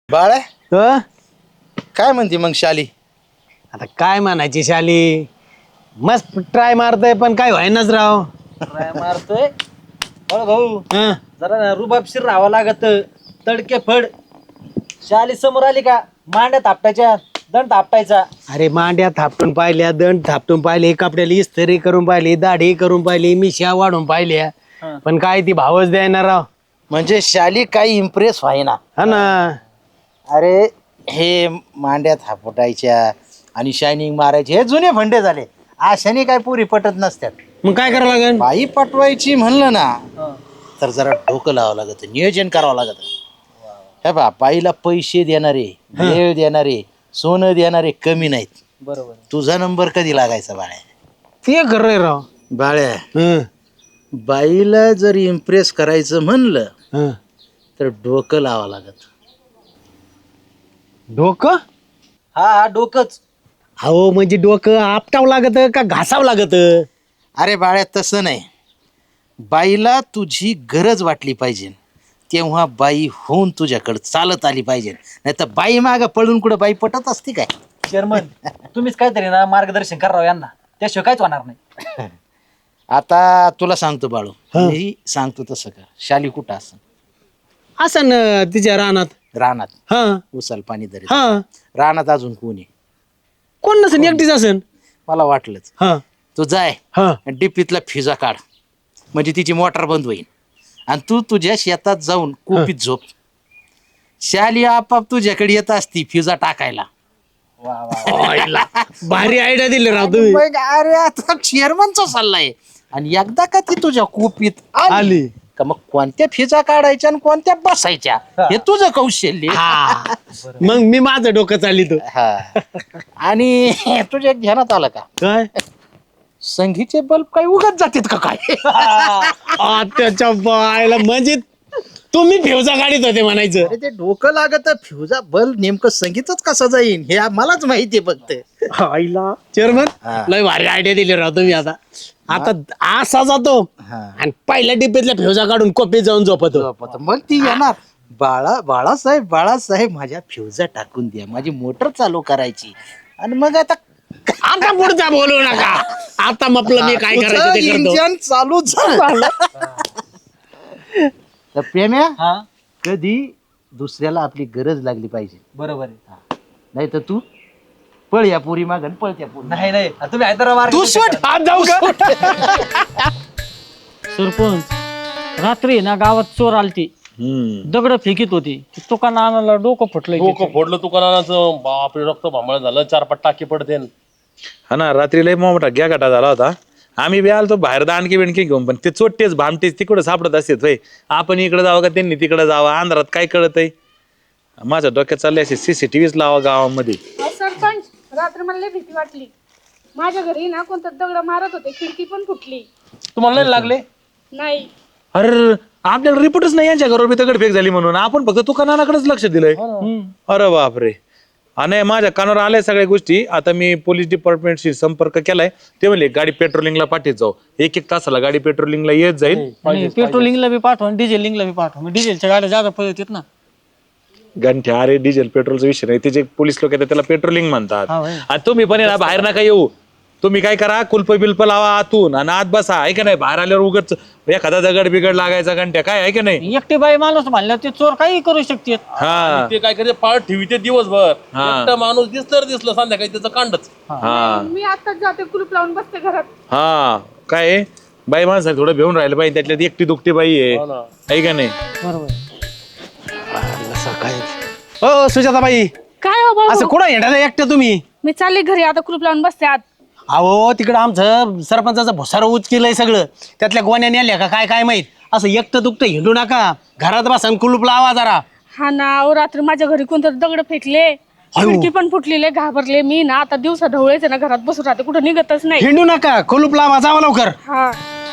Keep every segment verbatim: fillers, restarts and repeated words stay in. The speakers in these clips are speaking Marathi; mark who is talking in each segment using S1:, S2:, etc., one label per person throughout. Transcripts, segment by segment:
S1: बाळा
S2: अ?
S1: काय म्हणते मग शाली?
S2: आता काय म्हणायची शाली, मस्त ट्राय मारतय पण काय व्हायनाच राव.
S3: ट्राय मारतोय हो भाऊ,
S2: हं?
S3: जरा रुबाबशीर राहावं लागत. तडके फड शाली समोर आली का मांड्या थापटायच्या, दंड थापटायचा.
S2: अरे मांड्या थापटून पाहिल्या, दंड थापटून पाहिले, कपड्याला इस्त्री करून पाहिली, दाढी करून पाहिली, मिश्या वाढून पाहिल्या,
S3: हं.
S2: पण काय ती भावच द्यायना राव.
S1: म्हणजे शाली काही इम्प्रेस व्हायना.
S2: हा ना.
S1: अरे हे मांड्या थापटायच्या आणि शायनिंग मारायचे हे जुने फंडे झाले. अशाने काय पुरी पटत नसतात.
S2: मग काय करावं लागेल?
S1: बाई पटवायची म्हणलं ना
S3: हं.
S1: तर जरा डोकं लावावं लागत, नियोजन करावं लागत. हे बा बाईला पैसे देणारे, वेळ देणारे, सोनं देणारे कमी नाहीत.
S3: बरोबर.
S1: तुझा नंबर कधी लागायचा बाळ्या?
S2: ते खरंय राव.
S1: बाळ्या
S2: हं,
S1: बाईला जर इम्प्रेस करायचं म्हणलं
S2: हं.
S1: तर डोकं लावावं लागत.
S2: डोकं?
S3: हा हा डोकंच.
S2: अहो म्हणजे डोकं आपटावं लागत का घासावं लागत?
S1: अरे बाळ्या तसं नाही, बाईला तुझी गरज वाटली पाहिजे तेव्हा बाई होऊन तुझ्याकडे चालत आली पाहिजे. नाही तर बाई माग पळून कुठं बाई पटत असते काय?
S3: चेअरमन तुम्हीच काहीतरी ना मार्गदर्शन करावं यांना, त्याशिवाय काहीच होणार नाही.
S1: आता तुला सांगतो बाळू, मी सांगतो तसं कर. शाली कुठं असं
S2: असं ना तिच्या रानात.
S1: रानात
S2: हा
S1: उसाल पाणी दरी
S2: हा.
S1: रानात अजून कोणी?
S2: कोण नसेल, एकटीच असेल.
S1: मला वाटलंच.
S2: हा
S1: तू जाय
S2: हा.
S1: डिपीतला फिजा काढ, म्हणजे तिची मोटार बंद होईल आणि तू तुझ्या शेतात जाऊन कोपीत झोप. शाली आपाप तुझ्याकडे येत असती फिजा टाकायला.
S3: वा वा.
S2: आईला. भारी आयडिया दिली राव तुम्ही.
S1: मग अरे आता चेअरमनचा सल्ला आहे. आणि एकदा का ती तुझ्या कोपीत आली
S2: आली
S1: का मग कोणत्या फिजा काढायच्या आणि कोणत्या बसायच्या हे तुझं कौशल्य.
S2: हा. मग मी माझं डोकं चालितो.
S1: हा. आणि तुझ्या ध्यानात आलं का
S2: काय?
S1: संगीचे बल्ब काही उगत जातात का काय?
S2: आ, त्याच्या बायला म्हणजे तुम्ही फेवजा गाडीत होते म्हणायचं.
S1: अरे ते डोकं लागत फ्युजा बल्ब नेमकं संगीतच कसं जाईन हे मलाच माहिती फक्त.
S2: आईला चेअरमन
S1: हा.
S2: लय भारी आयडिया दिली राव तुम्ही. आता आता असा जातो
S1: हा.
S2: आणि पहिल्या डिब्बेतल्या फेवजा काढून कोपीत जाऊन झोपतो.
S1: मग ती येणार, बाळा बाळासाहेब बाळासाहेब माझ्या फ्युजा टाकून द्या, माझी मोटर चालू करायची. आणि मग आता
S2: आता पुढचा बोलू नका. आता म्हटलं मी काय करायचं ते करतो.
S1: इंजन चालू झालं. तर प्रेम्या
S3: हा
S1: कधी दुसऱ्याला आपली गरज लागली पाहिजे,
S3: बरोबर आहे.
S1: नाही तर तू पळ या पुरी मागन पळ त्या पुरी.
S3: नाही नाही तुम्ही हैदराबाद
S1: तू सोड.
S2: हात जाऊ का?
S4: सरपंच रात्री ना गावात चोर आलती, दगड फेकीत होती. तुकाना आणायला डोकं फुटलंय.
S5: डोकं फोडलं दुकानाचं, बापरे रक्त भांबळ झालं, चार पाच टाके पडते.
S6: हा ना, रात्री लय मोठा घ्या गाठा झाला होता. आम्ही बी आलतो बाहेर दाणकी बिणकी घेऊन, पण ते चोट्टेच भामटेच तिकडे सापडत असतात. होय आपण इकडे जावं का त्यांनी तिकडे जावं, अंधारात काय कळत आहे. माझ्या डोक्यात चालले असे सीसीटीव्हीच लावा गावामध्ये.
S7: अहो सरपंच, रात्री मला लय भीती वाटली. माझ्या घरी ना कोणतं दगड मारत होते, खिडकी पण फुटली.
S5: तुम्हाला नाही लागले?
S7: नाही.
S6: अरे आपल्याला रिपोर्टच नाही यांच्या घरावर बी दगडफेक झाली म्हणून. आपण फक्त तुकानाकडेच लक्ष दिलंय. अरे बापरे. आणि माझ्या कानावर आल्या सगळ्या गोष्टी. आता मी पोलीस डिपार्टमेंटशी संपर्क केलाय. ते म्हणले गाडी पेट्रोलिंगला पाठीत जाऊ, एक एक तासाला गाडी पेट्रोलिंगला येत जाईल.
S4: पेट्रोलिंगला बी पाठवा, डिझेलिंगला बी पाठवा. डिझेलच्या गाड्या जादा पळतात ना.
S6: गंठ्या अरे डिझेल पेट्रोलचा विषय नाही, ते जे पोलीस लोक येतात त्याला पेट्रोलिंग म्हणतात.
S4: हा होय.
S6: आणि तुम्ही पण आहे ना बाहेर नका येऊ. तुम्ही काय करा, कुल्प बिल्प लावा आतून आणि आत बसा. आहे का नाही, बाहेर आल्यावर उगच एखादा दगड बिगड लागायचा घंट्या काय आहे का नाही.
S4: एकटी बाई माणूस म्हणलं ते चोर काही करू शकते.
S6: हा
S5: ते काय करते, पाळ ठेवी ते दिवसभर.
S6: हा.
S5: एकटा माणूस दिसलं दिसलं संध्याकाळी त्याचं कांडच.
S6: हा
S7: मी आताच जाते, कुलूप लावून बसते घरात.
S6: हा काय आहे, बाई माणसाला थोडं भेऊन राहिलं पाहिजे. त्यातल्यात एकटी दुखती बाई आहे,
S5: हो ना.
S6: आहे का नाही.
S4: बरोबर.
S2: हो सुजाताबाई,
S7: काय हो
S2: असं
S7: भाऊ,
S2: कुठं येणार एकट्या तुम्ही?
S7: मी चालले घरी आता, कुलूप लावून बसते आत.
S2: अहो तिकडं आमचं सरपंचाचं भुसार उच केलंय सगळं. त्यातल्या गोण्या नेल्या का काय काय माहित. असं एकटं दुखतं हिंडू नका, घरात बसा आणि कुलूप लावा जरा.
S7: हा ना, अहो रात्री माझ्या घरी कोणतं दगड फेकले, खिडकी पण फुटलेले, घाबरले मी ना. आता दिवसा ढवळेच ना, घरात बसून राहते, कुठं निघतच नाही.
S2: हिंडू नका, कुलूप लावा, जावा लवकर.
S7: हा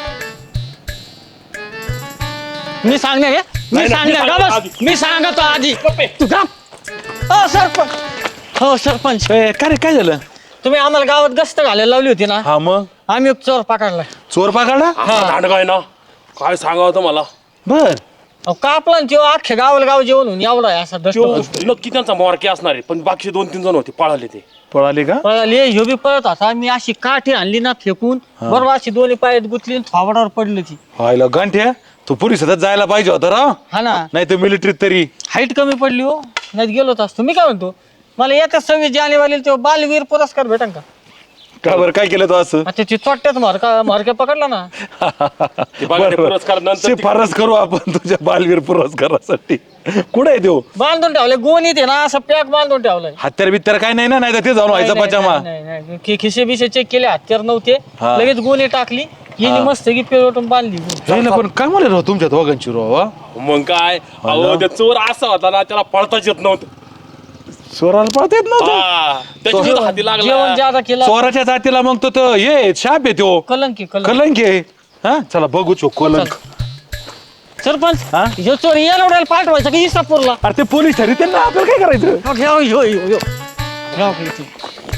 S4: मी सांगणार हे? मी सांगणार का बस? मी सांगतो आधी. तू का? हो सरपंच, हो सरपंच,
S6: ए, काय रे काय झालं.
S4: तुम्ही आम्हाला गावात गस्त घालायला लावली होती ना.
S6: हा मग
S4: आम्ही एक चोर पकडलाय.
S6: चोर पकडला.
S5: काय ना काय सांगावं तुम्हाला.
S6: बर
S4: अहो, कापला ना त्यो अख्ख्या गावाला गाव जेवण होऊन एवढा आहे असा
S5: त्यो
S4: दष्ट
S5: नक्की त्यांचा मोरके असणार आहे पण बाकीचे दोन तीन जण होते पळाले ते.
S6: पळाली का
S4: पळाले ह्यो बी पळत होता मी अशी काठी आणली ना फेकून बरोबर अशी दोन्ही पायात गुतली आणि थोबाडावर पडली ती.
S6: व्हायला गंठ्या तू पोलिसात जायला पाहिजे होता राव,
S4: हा ना
S6: नाही तर मिलिटरीत तरी.
S4: हाईट कमी पडली हो नाही गेलोच असतो. मी काय म्हणतो मला येत्या सव्वीस जानेवारीला तो बालवीर पुरस्कार भेटन का?
S6: का बरं काय केलं तू असं?
S4: आता ती चोट्यात मारका मारक्या पकडला ना.
S5: ते बघा ते
S6: बरं,
S5: पुरस्कार
S6: बरं.
S5: नंतर ते-
S6: शिफारस करू आपण तुझ्या बालवीर पुरस्कारासाठी. कुठे आहे देऊ
S4: बांधून ठेवलंय गोणीत आहे ना असं पॅक बांधून ठेवलंय.
S6: हत्यार बित्यार काय नाही ना, नाही तर ते जाऊन व्हायचा
S4: नाही,
S6: पचामा.
S4: नाही, नाही, नाही. खि- खिसे बिसे चेक केले हत्यार नव्हते
S6: हा.
S4: लगेच गोणी टाकली हिने मस्त की पेरवटून बांधली.
S6: जायला पण काय म्हणलं राव तुमच्या दोघांची राव हा?
S5: मग काय अहो ते चोर असा होता ना त्याला पळताच येत नव्हतं.
S6: चोराला पळता येत नव्हतं.
S5: हा, त्याच्या हाती
S4: जेवण
S5: लागला.
S4: ज्यादा केलं
S6: चोराच्या जातीला मग तो तो ये शाप आहे तो
S4: कलंकी कलंक
S6: कलंक आहे. हा चला बघू चो कलंक.
S4: सरपंच
S6: हा?
S4: ह्यो चोर येरवड्याला पाठवायचा की इसापूरला?
S6: अरे ते पोलीस ठरी त्यांना आपल्याला काय करायचं?
S4: हो, ह्यो, ह्यो, ह्यो, ह्यो. ह्यो की इथे.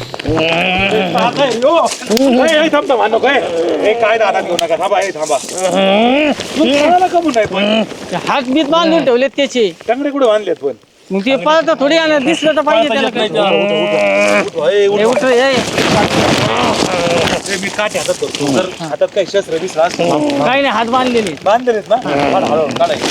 S4: ते हात बीत बांधून ठेवलेत त्याचे
S6: टांगडे कुठे बांधलेत पण?
S4: मग ते पळत थोडी आणत दिसलं तर पाहिजे त्याला काय. हे उठ रे, हे.
S6: मी काठी हातात करतो जर हातात काही शस्त्र दिसला असतं
S4: काही नाही हात बांधलेले.
S6: बांधलेत ना काढ, हळू काढायचं.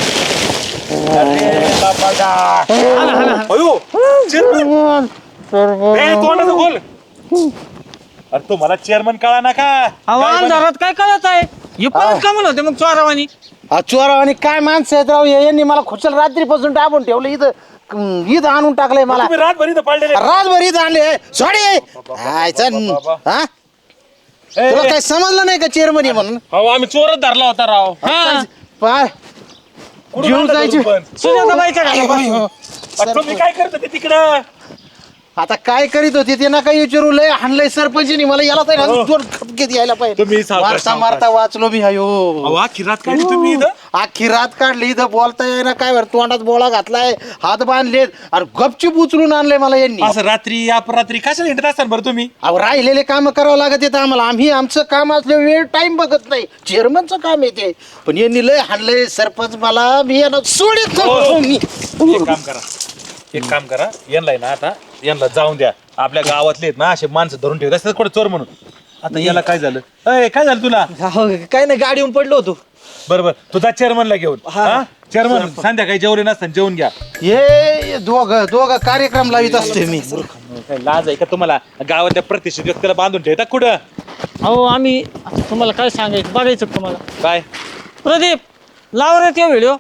S4: हाना, हाना, हाना.
S6: अयो, चेअरमन. ए, तोंडाचं खोल. अरे तो मला चेअरमन कळा ना का?
S4: अहो,
S6: काय बन-
S4: अंधारात काय कळत आहे हे पण कमल होते मग चोरावानी.
S1: चोरा आणि काय माणसं आहेत राव हे, यांनी मला खुशाल रात्रीपासून दाबून ठेवलं इथं क- इथं आणून टाकलंय मला.
S6: तुम्ही रातभर इथं पडलेले.
S1: रातभर इथं आणले सॉरी हा तुला काय समजलं नाही का चेअरमन म्हणून
S5: अहो आम्ही चोरच धरला होता राव.
S4: हा
S1: पाय
S6: कुठून
S1: जीव
S6: आणलं
S1: जायचे.
S6: तुम्ही पण?
S4: सुजाताबाईच्या घरापासून.
S6: अरे तुम्ही काय करता ते तिकडं?
S1: आता काय करीत होते ते ना काही विचारू लय हाणलंय सरपंचनी मला याला तर दोन खपकेत यायला पाहिजे
S6: तुम्ही सावकाश,
S1: मारता
S6: सावकाश.
S1: मारता वाचलो मी अयो
S6: अहो, अख्खी रात काढली तुम्ही इथं?
S1: अख्खी रात काढली इथं बोलता येईना काय बरं तोंडात बोळा घातलाय हात बांधलेत आणि गपचूप उचलून आणलंय मला यांनी
S6: असं रात्री अपरात्री कशाला हिंडत असतात बरं तुम्ही?
S1: अहो राहिलेले काम करावं लागत येतं आम्हाला आम्ही आमचं काम असलं वेळ टाइम बघत नाही चेअरमनचं काम येते पण यांनी लय हाणलंय सरपंच मला मी यांना सोडित नव्हतो मी
S6: एक काम करा एक काम करा यांना ना आता यांना जाऊन द्या. आपल्या गावातले आहेत ना असे माणसं धरून ठेवत असतात कुठे चोर म्हणून. आता याला काय झालं? अय काय झालं तुला?
S3: काय नाही गाडी येऊन पडलो होतो.
S6: बरोबर तुझा चेअरमनला घेऊन चेअरमन संध्याकाळी जेवले नसताना जेवून घ्या.
S1: हे दोघं दोघं कार्यक्रम लावित असते मी
S6: काय लाज आहे का तुम्हाला? गावातल्या प्रतिष्ठित व्यक्तीला बांधून ठेवता कुठं?
S4: अहो आम्ही आता तुम्हाला काय सांगायचं बघायचं का तुम्हाला?
S6: काय
S4: प्रदीप लाव रे ते व्हिडिओ.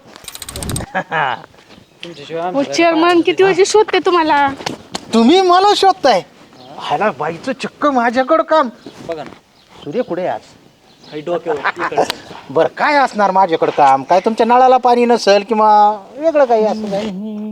S7: चेअरमन किती वेळची शोधते तुम्हाला.
S1: तुम्ही मला शोधताय ह्याला बाईचं चक्क माझ्याकडं काम
S3: बघा ना
S1: सूर्य कुठे आहे आज
S3: काही डोक्यावर
S1: बर काय असणार माझ्याकडं काम काय तुमच्या नळाला पाणी नसेल किंवा वेगळं काही असं काय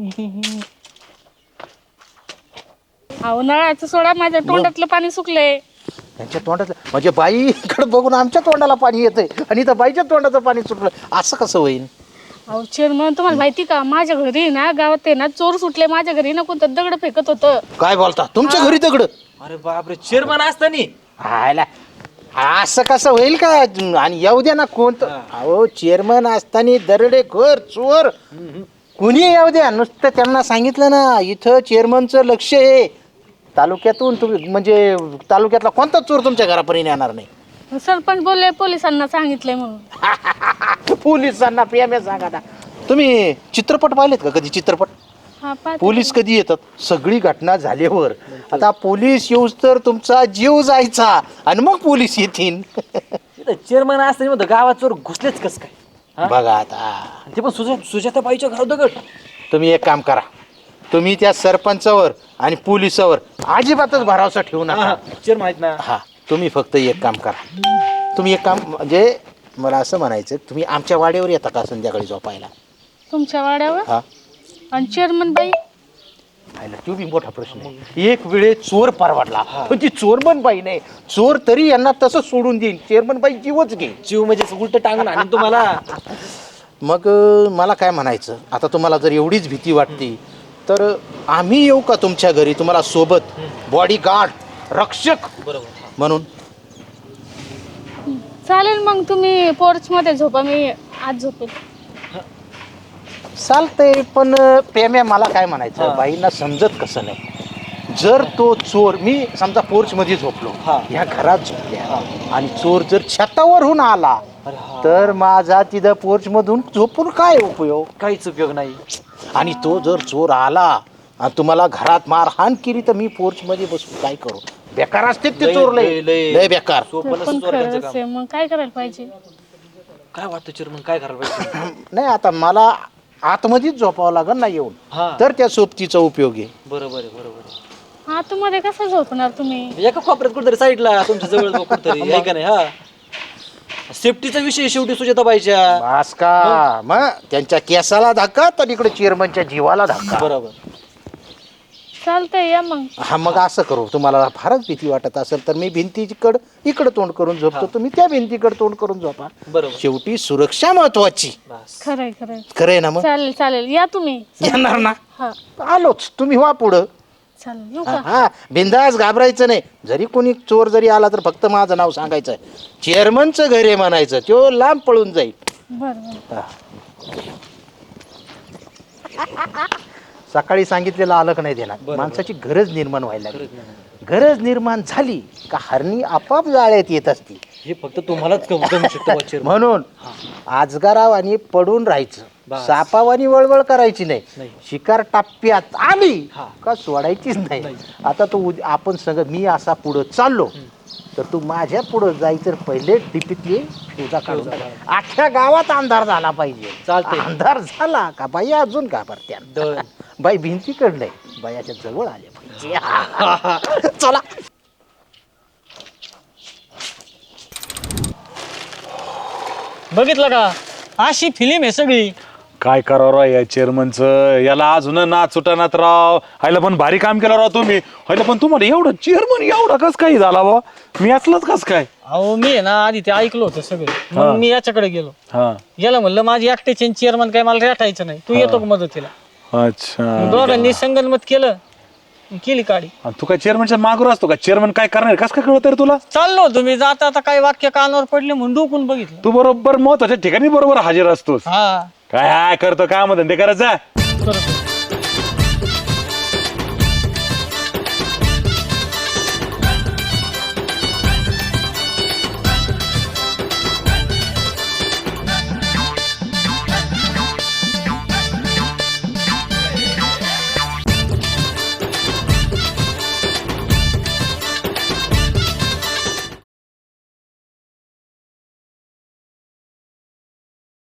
S7: अहो नळाचं सोडा माझ्या तोंडातलं पाणी सुकलंय.
S1: त्यांच्या तोंडातलं म्हणजे बाईकडे बघून आमच्या तोंडाला पाणी येतंय आणि इथं बाईच्या तोंडाचं पाणी सुटलं असं कसं होईल?
S7: अहो चेअरमन तुम्हाला माहिती का माझ्या घरी ना गावात आहे ना चोर सुटले माझ्या घरी ना कोणतं दगड फेकत होतं.
S1: काय बोलता तुमच्या घरी दगड
S3: अरे बापरे चेअरमन असतानी
S1: हायला असं कसं होईल का आणि येऊ द्या ना कोणतं अहो चेअरमन असताना दरडे खोर चोर कुणी येऊ द्या नुसतं त्यांना सांगितलं ना इथं चेअरमनचं लक्ष आहे तालुक्यातून तुम्ही म्हणजे तालुक्यातला कोणता चोर तुमच्या घरापर्यंत येणार नाही.
S7: सरपंच बोलले पोलिसांना सांगितलंय म्हणून.
S1: पोलिसांना प्रेम सांगा ना. तुम्ही चित्रपट पाहिलेत का कधी चित्रपट?
S7: हा पाहते.
S1: पोलीस कधी येतात सगळी घटना झाल्यावर आता पोलीस येऊस तर तुमचा जीव जायचा आणि मग पोलीस येतील.
S3: चेअरमन असतानी म्हणतो गावात चोर घुसलेच कस काय हा?
S1: बघा आता
S3: आणि ते पण सुजा सुजाताबाईच्या घरात दगड.
S1: तुम्ही एक काम करा तुम्ही त्या सरपंचावर आणि पोलिसावर अजिबातच भरोसा ठेवू नका.
S3: चेअरमन आहेत ना
S1: हा तुम्ही फक्त एक काम करा तुम्ही एक काम म्हणजे मला असं म्हणायचं तुम्ही आमच्या वाड्यावर येता का संध्याकाळी झोपायला?
S7: तुमच्या वाड्यावर
S1: हा
S7: आणि चेअरमन बाई
S1: पाहिलं तो बी मोठा प्रश्न आहे. एक वेळे चोर परवडला पण ती चोरमन बाई नाही चोर तरी यांना तसं सोडून देईल चेअरमन बाई जीवच घेईल.
S3: जीव म्हणजे उलट टांगून आणि तुम्हाला
S1: मग अं, मला काय म्हणायचं आता तुम्हाला जर एवढीच भीती वाटते तर आम्ही येऊ का तुमच्या घरी तुम्हाला सोबत बॉडी गार्ड रक्षक म्हणून?
S7: चालेल मग तुम्ही पोर्च मध्ये झोपा मी आज झोपेल.
S1: चालतंय पण प्रेम्या मला काय म्हणायचं बाईंना समजत कसं नाही जर तो चोर मी समजा पोर्च मध्ये झोपलो ह्या घरात झोपल्या आणि चोर जर छतावरून आला तर माझा तिथं पोर्च मधून झोपून काय उपयोग
S3: काहीच उपयोग नाही.
S1: आणि तो जर चोर आला आणि तुम्हाला घरात मारहाण केली तर मी पोर्च मध्ये बसून काय करू बेकार असते ते चोर लय लय बेकार
S7: ते पण खरंच आहे मग काय करायला पाहिजे
S3: काय वाटतं चेअरमन काय करायला पाहिजे?
S1: नाही आता मला आतमध्येच झोपावं लागेल ना येऊन
S3: हा.
S1: तर त्या सोबतीचा उपयोग आहे
S3: बरोबर आहे बरोबर आहे.
S7: हा तुम्हाला कसं झोपणार तुम्ही
S3: एका कोपऱ्यात कुठेतरी साईडला तुमच्या जवळ कुठेतरी आहे का नाही? हा सेफ्टीचा विषय शेवटी सुजाताबाईच्या.
S1: बास का मग त्यांच्या केसाला धक्का तर इकडे चेअरमनच्या जीवाला धक्का
S3: बरोबर.
S7: चालतंय या मग.
S1: हा मग असं करू तुम्हाला फारच भीती वाटत असेल तर मी भिंतीकडे इकडे तोंड करून झोपतो तुम्ही त्या भिंतीकडे तोंड करून झोपा
S3: बरोबर.
S1: शेवटी सुरक्षा महत्वाची
S7: खरंय खरंय
S1: खरंय ना मग
S7: चालेल चालेल या तुम्ही.
S1: येणार ना
S7: हा
S1: आलोच तुम्ही व्हा पुढं
S7: चालेल येऊ
S1: हा
S7: का?
S1: हा, बिंदास घाबरायचं नाही जरी कोणी चोर जरी आला तर फक्त माझं नाव सांगायचं चेअरमनचं घर आहे म्हणायचं तो लांब पळून जाईल
S7: बरं बरं.
S1: सकाळी सांगितलेलं आलं का नाही देणार माणसाची गरज निर्माण व्हायला लागली गरज निर्माण झाली का हरणी आपाप जाळ्यात येत असती
S3: हे फक्त तुम्हालाच कम जमू शकतं बा चेअरमन.
S1: म्हणून आजगारावानी पडून राहायचं सापावानी वळवळ करायची नाही शिकार टप्प्यात आली का सोडायचीच नाही आता तो उद्या आपण सगळं मी असा पुढं चाललो तर तू माझ्या पुढं जायचं पहिले टिपीतली फ्युजा काढून टाक. अख्ख्या गावात अंधार झाला पाहिजे
S3: चालतंय.
S1: अंधार झाला का बाई अजून घाबरत्या बाई भिंतीकडे नाही बायाच्या जवळ आले पाहिजे चला
S4: बघितलं का अशी फिल्म आहे सगळी.
S6: काय करावं राव या चेअरमनचं याला अजून ना सुटानात राव हायला पण भारी काम केलं राव तुम्ही हायला पण तुम्हाला एवढं चेअरमन एवढा कस काही झाला बा मी असलंच कस काय
S4: अहो मी आहे ना आधी ते ऐकलं होतं सगळं मग मी याच्याकडे गेलो
S6: हा
S4: गेलं म्हणलं माझी एकट्याची चेअरमन काय मला रेटायचं नाही तू येतो का मदतीला
S6: अच्छा
S4: मग दोघांनी संगनमत केलं केली काढी.
S6: आणि तू काय चेअरमनच्या मागूर असतो का चेअरमन काय करणार कस काय कळत रे तुला
S4: चाललो तुम्ही जाता आता काही वाक्य कानावर पडले म्हणून डोकून बघितलं.
S6: तू बरोबर महत्वाच्या ठिकाणी बरोबर हजर असतोस
S4: हा
S6: काय हाय करतो काम धंदे करायचा
S4: करतो.